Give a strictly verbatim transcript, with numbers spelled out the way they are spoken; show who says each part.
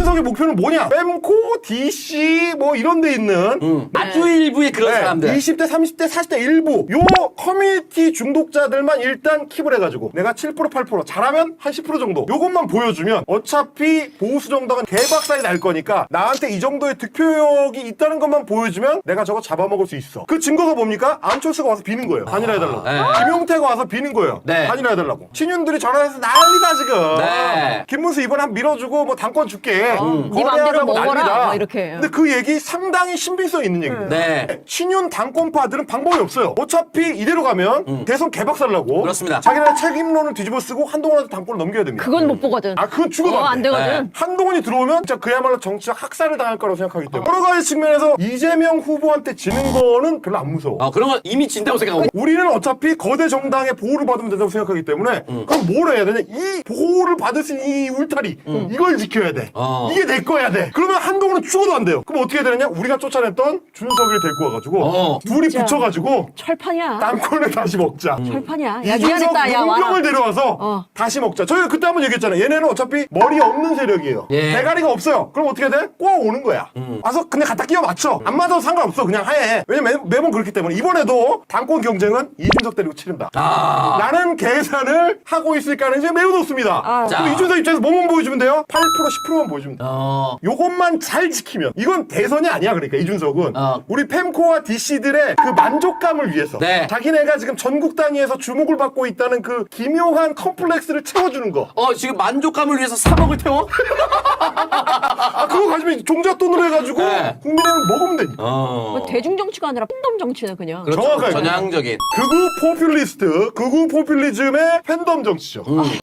Speaker 1: 이준석의 목표는 뭐냐? 뺨코, 디씨 뭐 이런 데 있는
Speaker 2: 음. 아주 일부의 그런
Speaker 1: 네,
Speaker 2: 사람들.
Speaker 1: 이십 대, 삼십 대, 사십 대 일부 요 커뮤니티 중독자들만 일단 킵을 해가지고 내가 칠 퍼센트, 팔 퍼센트 잘하면 한 십 퍼센트 정도 요것만 보여주면 어차피 보수 정당은 개박살이 날 거니까 나한테 이 정도의 득표력이 있다는 것만 보여주면 내가 저거 잡아먹을 수 있어. 그 증거가 뭡니까? 안철수가 와서 비는 거예요. 단일화 해달라고.
Speaker 2: 네.
Speaker 1: 김용태가 와서 비는 거예요.
Speaker 2: 네.
Speaker 1: 단일화 해달라고. 친윤들이 전화해서 난리다 지금.
Speaker 2: 네.
Speaker 1: 김문수 이번에 한 밀어주고 뭐 당권 줄게.
Speaker 3: 음. 네 맘대로
Speaker 1: 거래하자고
Speaker 3: 먹어라.
Speaker 1: 난리다.
Speaker 3: 뭐 이렇게.
Speaker 1: 근데 그 얘기 상당히 신빙성 있는 얘기입니다.
Speaker 2: 네.
Speaker 1: 친윤 당권파들은 방법이 없어요. 어차피 이대로 가면 대선 개박살 나고
Speaker 2: 그렇습니다.
Speaker 1: 자기네 책임론을 뒤집어 쓰고 한동훈한테 당권을 넘겨야 됩니다.
Speaker 3: 그건 못 보거든.
Speaker 1: 아, 그건 죽어도
Speaker 3: 어,
Speaker 1: 안
Speaker 3: 안
Speaker 1: 돼.
Speaker 3: 되거든.
Speaker 2: 네.
Speaker 1: 한동훈이 들어오면 진짜 그야말로 정치적 학살을 당할 거라고 생각하기 때문에 여러 가지 측면에서 이재명 후보한테 지는 거는 별로 안 무서워.
Speaker 2: 어, 그런 건 이미 진다고 생각하고.
Speaker 1: 우리는 어차피 거대 정당의 보호를 받으면 된다고 생각하기 때문에 그럼 뭘 해야 되냐? 이 보호를 받을 수 있는 이 울타리 이걸 지켜야 돼.
Speaker 2: 어.
Speaker 1: 이게 내 거야 돼. 그러면 한동훈은 죽어도 안 돼요. 그럼 어떻게 해야 되느냐? 우리가 쫓아냈던 준석이를 데리고 와가지고
Speaker 2: 어.
Speaker 1: 둘이
Speaker 3: 진짜.
Speaker 1: 붙여가지고
Speaker 3: 철판이야.
Speaker 1: 땅콩을 다시 먹자.
Speaker 3: 철판이야. 야,
Speaker 1: 이준석
Speaker 3: 미안했다. 야, 와라.
Speaker 1: 용병을 데려와서
Speaker 3: 어.
Speaker 1: 다시 먹자. 저희가 그때 한번 얘기했잖아요. 얘네는 어차피 머리 없는 세력이에요.
Speaker 2: 예.
Speaker 1: 대가리가 없어요. 그럼 어떻게 돼? 꼬아 오는 거야. 와서 그냥 갖다 끼워 맞춰. 안 맞아도 상관없어. 그냥 해. 왜냐면 매, 매번 그렇기 때문에 이번에도 당권 경쟁은 이준석 데리고 치른다.
Speaker 2: 아.
Speaker 1: 라는 계산을 하고 있을 가능성이 매우 높습니다.
Speaker 3: 아.
Speaker 1: 그럼 이준석 입장에서 뭐만 보여주면 돼요? 팔 퍼센트, 십 퍼센트만 보여주면 돼요.
Speaker 2: 어.
Speaker 1: 요것만 잘 지키면 이건 대선이 아니야. 그러니까 이준석은
Speaker 2: 어.
Speaker 1: 우리 팸코와 디씨들의 그 만족감을 위해서
Speaker 2: 네.
Speaker 1: 자기네가 지금 전국 단위에서 주목을 받고 있다는 그 기묘한 컴플렉스를 채워주는 거.
Speaker 2: 어, 지금 만족감을 위해서 삼억을 태워?
Speaker 1: 아 그거 가지고 종잣 돈으로 해가지고
Speaker 2: 네.
Speaker 1: 국민의힘 먹으면 되니까.
Speaker 2: 어.
Speaker 3: 뭐 대중 정치가 아니라 팬덤 정치네 그냥.
Speaker 2: 그렇죠.
Speaker 1: 정확하게.
Speaker 2: 전향적인.
Speaker 1: 극우 포퓰리스트, 극우 포퓰리즘의 팬덤 정치죠.